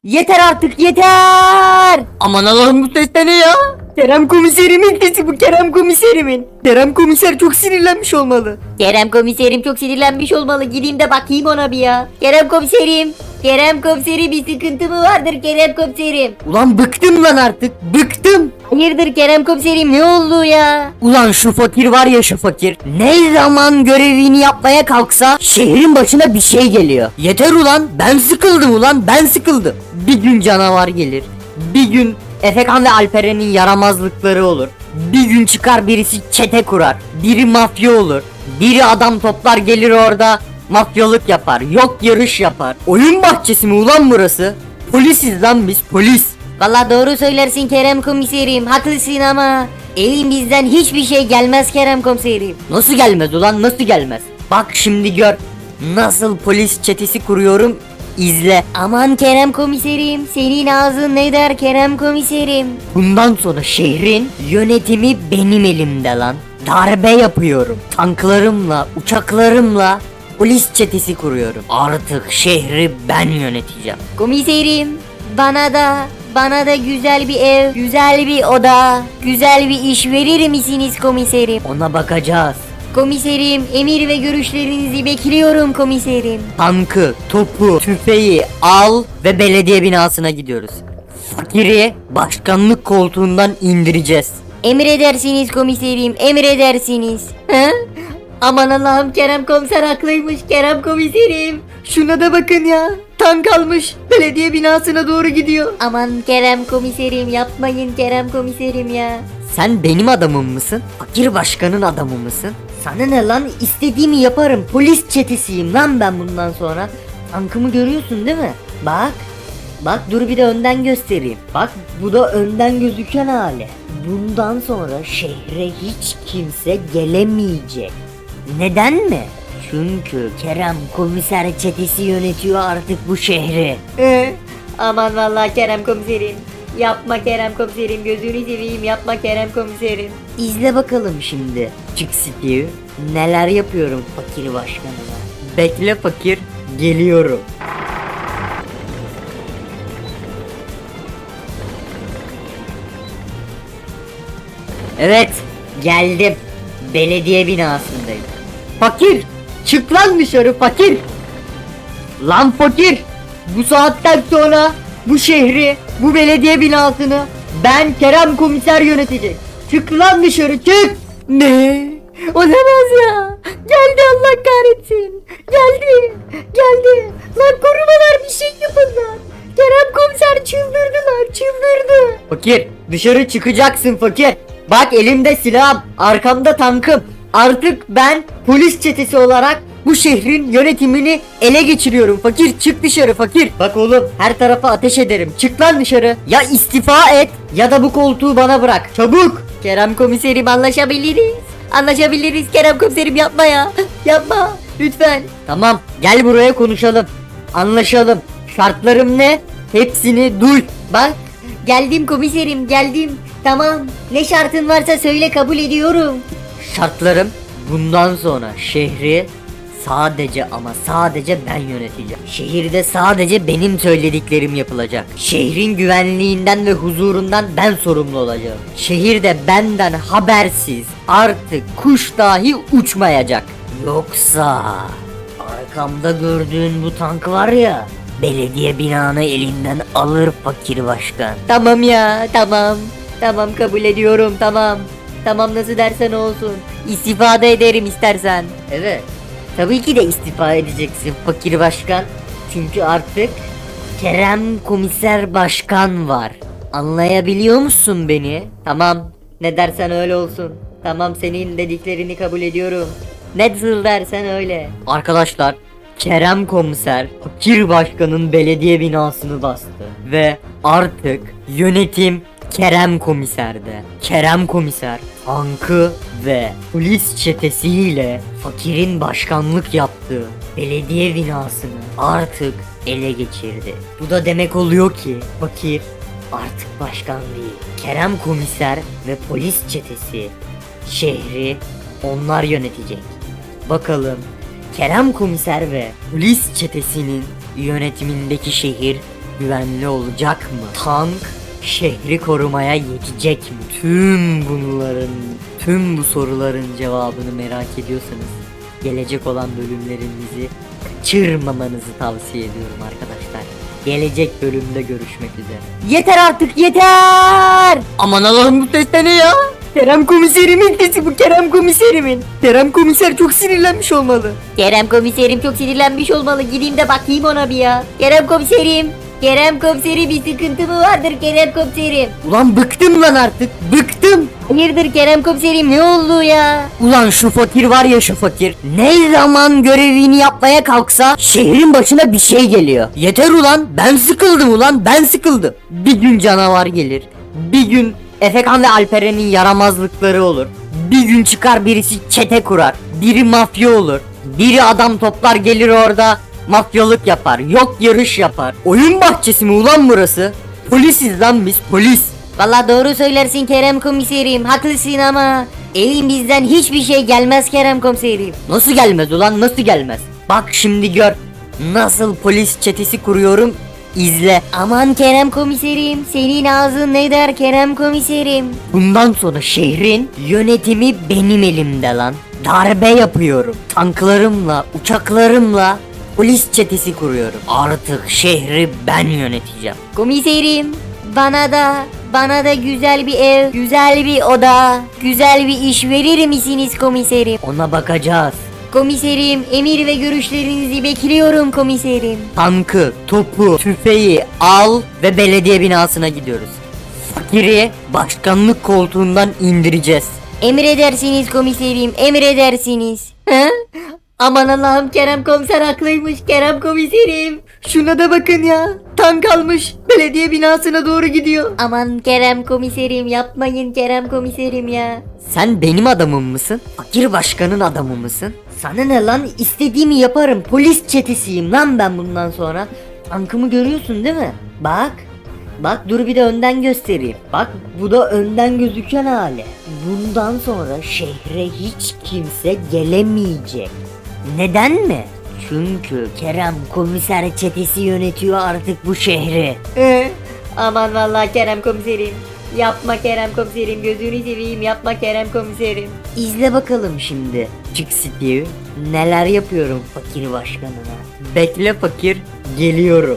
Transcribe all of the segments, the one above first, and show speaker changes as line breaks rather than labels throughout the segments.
Yeter artık yeter. Aman Allah'ım bu ses de ne ya? Kerem komiserimin sesi bu, Kerem komiserimin. Kerem komiser çok sinirlenmiş olmalı.
Kerem komiserim çok sinirlenmiş olmalı. Gideyim de bakayım ona bir ya. Kerem komiserim. Kerem komiserim, bir sıkıntı mı vardır Kerem komiserim?
Ulan bıktım lan artık, bıktım.
Hayırdır Kerem komiserim, ne oldu ya?
Ulan şu fakir var ya, şu fakir. Ne zaman görevini yapmaya kalksa şehrin başına bir şey geliyor. Yeter ulan, ben sıkıldım ulan, ben sıkıldım. Bir gün canavar gelir. Bir gün Efekan ve Alperen'in yaramazlıkları olur. Bir gün çıkar birisi çete kurar. Biri mafya olur. Biri adam toplar gelir orada mafyalık yapar. Yok yarış yapar. Oyun bahçesi mi ulan burası? Polisiz lan biz, polis.
Valla doğru söylersin Kerem komiserim, haklısın ama elimizden hiçbir şey gelmez Kerem komiserim.
Nasıl gelmez ulan, nasıl gelmez? Bak şimdi gör. Nasıl polis çetesi kuruyorum, izle.
Aman Kerem komiserim, senin ağzın ne der Kerem komiserim?
Bundan sonra şehrin yönetimi benim elimde lan. Darbe yapıyorum. Tanklarımla, uçaklarımla polis çetesi kuruyorum. Artık şehri ben yöneteceğim.
Komiserim, bana da güzel bir ev, güzel bir oda, güzel bir iş verir misiniz komiserim?
Ona bakacağız.
Komiserim, emir ve görüşlerinizi bekliyorum komiserim.
Tankı, topu, tüfeği al ve belediye binasına gidiyoruz. Fakiri başkanlık koltuğundan indireceğiz.
Emredersiniz komiserim, emredersiniz. He? Aman Allah'ım, Kerem komiser haklıymış Kerem komiserim.
Şuna da bakın ya. Tank almış. Belediye binasına doğru gidiyor.
Aman Kerem komiserim, yapmayın Kerem komiserim ya.
Sen benim adamım mısın? Fakir başkanın adamı mısın? Sana ne lan? İstediğimi yaparım. Polis çetesiyim lan ben bundan sonra. Tankımı görüyorsun değil mi? Bak. Bak dur bir de önden göstereyim. Bak bu da önden gözüken hali. Bundan sonra şehre hiç kimse gelemeyecek. Neden mi? Çünkü Kerem komiser çetesi yönetiyor artık bu şehri.
Aman vallahi Kerem komiserim. Yapma Kerem komiserim, gözünü seveyim, yapma Kerem komiserim.
İzle bakalım şimdi. Çık Steve. Neler yapıyorum fakir başkanına. Bekle fakir. Geliyorum. Evet. Geldim. Belediye binasındayım. Fakir. Çık lan dışarı fakir. Lan fakir. Bu saatten sonra bu şehri, bu belediye binasını ben Kerem komiser yönetecek. Çık lan dışarı, çık. Ne? Olamaz ya. Geldi, Allah kahretsin. Geldi. Geldi. Lan korumalar, bir şey yapın lan. Kerem komiser çıldırdılar, çıldırdı. Fakir, dışarı çıkacaksın fakir. Bak elimde silahım, arkamda tankım. Artık ben polis çetesi olarak bu şehrin yönetimini ele geçiriyorum. Fakir çık dışarı fakir. Bak oğlum, her tarafa ateş ederim. Çık lan dışarı. Ya istifa et ya da bu koltuğu bana bırak. Çabuk.
Kerem komiserim, anlaşabiliriz. Anlaşabiliriz Kerem komiserim, yapma ya. Yapma lütfen.
Tamam, gel buraya konuşalım. Anlaşalım. Şartlarım ne? Hepsini duy.
Bak, geldim komiserim, geldim. Tamam, ne şartın varsa söyle, kabul ediyorum.
Şartlarım, bundan sonra şehri sadece ama sadece ben yöneteceğim. Şehirde sadece benim söylediklerim yapılacak. Şehrin güvenliğinden ve huzurundan ben sorumlu olacağım. Şehirde benden habersiz artık kuş dahi uçmayacak. Yoksa arkamda gördüğün bu tank var ya, belediye binanı elinden alır fakir başkan.
Tamam ya, tamam. Tamam, kabul ediyorum, tamam. Tamam, nasıl dersen olsun. İstifade ederim istersen.
Evet. Tabii ki de istifa edeceksin fakir başkan. Çünkü artık Kerem komiser başkan var. Anlayabiliyor musun beni?
Tamam, ne dersen öyle olsun. Tamam, senin dediklerini kabul ediyorum. Nasıl dersen öyle.
Arkadaşlar, Kerem komiser fakir başkanın belediye binasını bastı. Ve artık yönetim Kerem komiserde. Kerem komiser tankı ve polis çetesiyle fakirin başkanlık yaptığı belediye binasını artık ele geçirdi. Bu da demek oluyor ki fakir artık başkan değil. Kerem komiser ve polis çetesi şehri onlar yönetecek. Bakalım Kerem komiser ve polis çetesinin yönetimindeki şehir güvenli olacak mı? Tank şehri korumaya yetecek mi? Tüm bu soruların cevabını merak ediyorsanız gelecek olan bölümlerimizi kaçırmamanızı tavsiye ediyorum arkadaşlar. Gelecek bölümde görüşmek üzere.
Yeter artık yeter.
Aman Allah'ım, bu ses de ne ya? Kerem komiserimin sesi bu, Kerem komiserimin. Kerem komiser çok sinirlenmiş olmalı.
Kerem komiserim çok sinirlenmiş olmalı. Gideyim de bakayım ona bir ya. Kerem komiserim. Kerem komiserim bir sıkıntı mı vardır Kerem komiserim?
Ulan bıktım lan artık, bıktım.
Hayırdır Kerem komiserim ne oldu ya?
Ulan şu fakir var ya, şu fakir. Ne zaman görevini yapmaya kalksa şehrin başına bir şey geliyor. Yeter ulan, ben sıkıldım ulan, ben sıkıldım. Bir gün canavar gelir. Bir gün Efekan ve Alperen'in yaramazlıkları olur. Bir gün çıkar birisi çete kurar. Biri mafya olur. Biri adam toplar gelir orada mafyalık yapar. Yok yarış yapar. Oyun bahçesi mi ulan burası? Polisiz lan biz, polis.
Valla doğru söylersin Kerem komiserim. Haklısın ama elimizden hiçbir şey gelmez Kerem komiserim.
Nasıl gelmez ulan, nasıl gelmez? Bak şimdi gör. Nasıl polis çetesi kuruyorum, izle.
Aman Kerem komiserim, senin ağzın ne der Kerem komiserim?
Bundan sonra şehrin yönetimi benim elimde lan. Darbe yapıyorum. Tanklarımla, uçaklarımla polis çetesi kuruyorum. Artık şehri ben yöneteceğim.
Komiserim, bana da güzel bir ev, güzel bir oda, güzel bir iş verir misiniz komiserim?
Ona bakacağız.
Komiserim, emir ve görüşlerinizi bekliyorum komiserim.
Tankı, topu, tüfeği al ve belediye binasına gidiyoruz. Fakiri başkanlık koltuğundan indireceğiz.
Emredersiniz komiserim, emredersiniz. He? Aman Allah'ım Kerem komiser haklıymış Kerem komiserim.
Şuna da bakın ya. Tank almış, belediye binasına doğru gidiyor.
Aman Kerem komiserim yapmayın Kerem komiserim ya.
Sen benim adamım mısın? Fakir başkanın adamı mısın? Sana ne lan, istediğimi yaparım. Polis çetesiyim lan ben bundan sonra. Tankımı görüyorsun değil mi? Bak. Bak dur bir de önden göstereyim. Bak bu da önden gözüken hali. Bundan sonra şehre hiç kimse gelemeyecek. Neden mi? Çünkü Kerem komiser çetesi yönetiyor artık bu şehri.
Aman vallahi Kerem komiserim. Yapma Kerem komiserim, gözünü seveyim yapma Kerem komiserim.
İzle bakalım şimdi. Çık Steve. Neler yapıyorum fakir başkanına. Bekle fakir, geliyorum.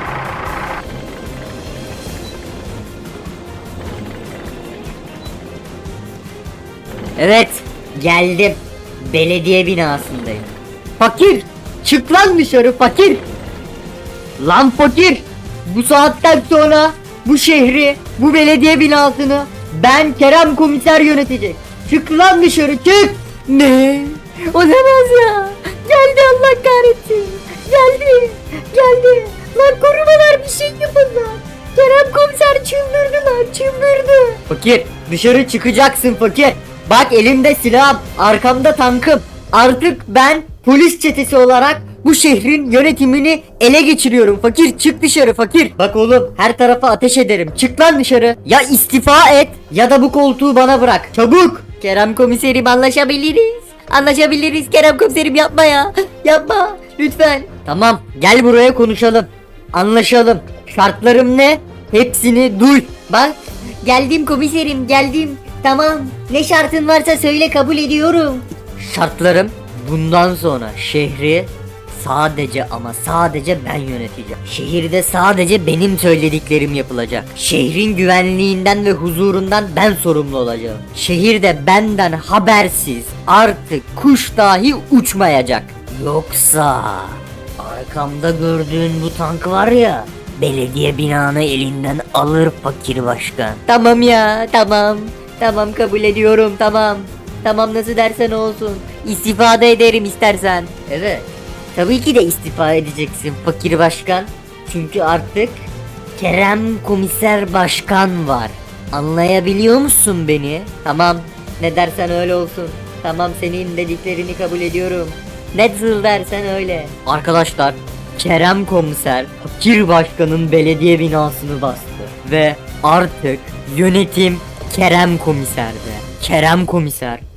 Evet, geldim. Belediye binasındayım. Fakir, çık lan dışarı fakir. Lan fakir, bu saatten sonra bu şehri, bu belediye binasını ben Kerem komiser yönetecek. Çık lan dışarı, çık. Ne?
Olamaz ya. Geldi Allah kahretsin. Geldi. Lan korumalar bir şey yapın lan. Kerem komiser çıldırdı lan, çıldırdı.
Fakir, dışarı çıkacaksın fakir. Bak elimde silahım, arkamda tankım. Artık ben polis çetesi olarak bu şehrin yönetimini ele geçiriyorum. Fakir, çık dışarı fakir. Bak oğlum, her tarafa ateş ederim. Çık lan dışarı. Ya istifa et ya da bu koltuğu bana bırak. Çabuk.
Kerem komiserim anlaşabiliriz. Anlaşabiliriz Kerem komiserim yapma ya. Yapma lütfen.
Tamam, gel buraya konuşalım. Anlaşalım. Şartlarım ne? Hepsini duy.
Bak geldim komiserim geldim. Tamam ne şartın varsa söyle kabul ediyorum.
Şartlarım, bundan sonra şehri sadece ama sadece ben yöneteceğim. Şehirde sadece benim söylediklerim yapılacak. Şehrin güvenliğinden ve huzurundan ben sorumlu olacağım. Şehirde benden habersiz artık kuş dahi uçmayacak. Yoksa arkamda gördüğün bu tank var ya, belediye binanı elinden alır fakir başkan.
Tamam ya tamam. Tamam kabul ediyorum tamam. Tamam nasıl dersen olsun. İstifade ederim istersen.
Evet. Tabii ki de istifa edeceksin fakir başkan. Çünkü artık Kerem komiser başkan var. Anlayabiliyor musun beni?
Tamam ne dersen öyle olsun. Tamam senin dediklerini kabul ediyorum. Nasıl dersen öyle.
Arkadaşlar, Kerem komiser fakir başkanın belediye binasını bastı. Ve artık yönetim Kerem komiserde. Kerem komiser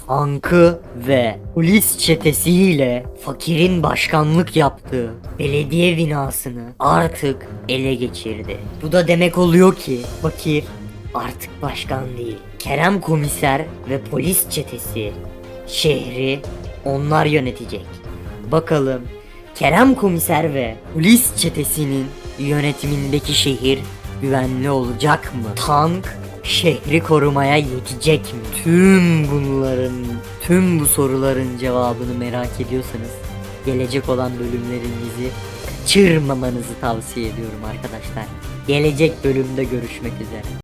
tankı ve polis çetesiyle fakirin başkanlık yaptığı belediye binasını artık ele geçirdi. Bu da demek oluyor ki fakir artık başkan değil. Kerem komiser ve polis çetesi şehri onlar yönetecek. Bakalım Kerem komiser ve polis çetesinin yönetimindeki şehir güvenli olacak mı? Tank şehri korumaya yetecek mi? Tüm bu soruların cevabını merak ediyorsanız gelecek olan bölümlerimizi kaçırmamanızı tavsiye ediyorum arkadaşlar. Gelecek bölümde görüşmek üzere.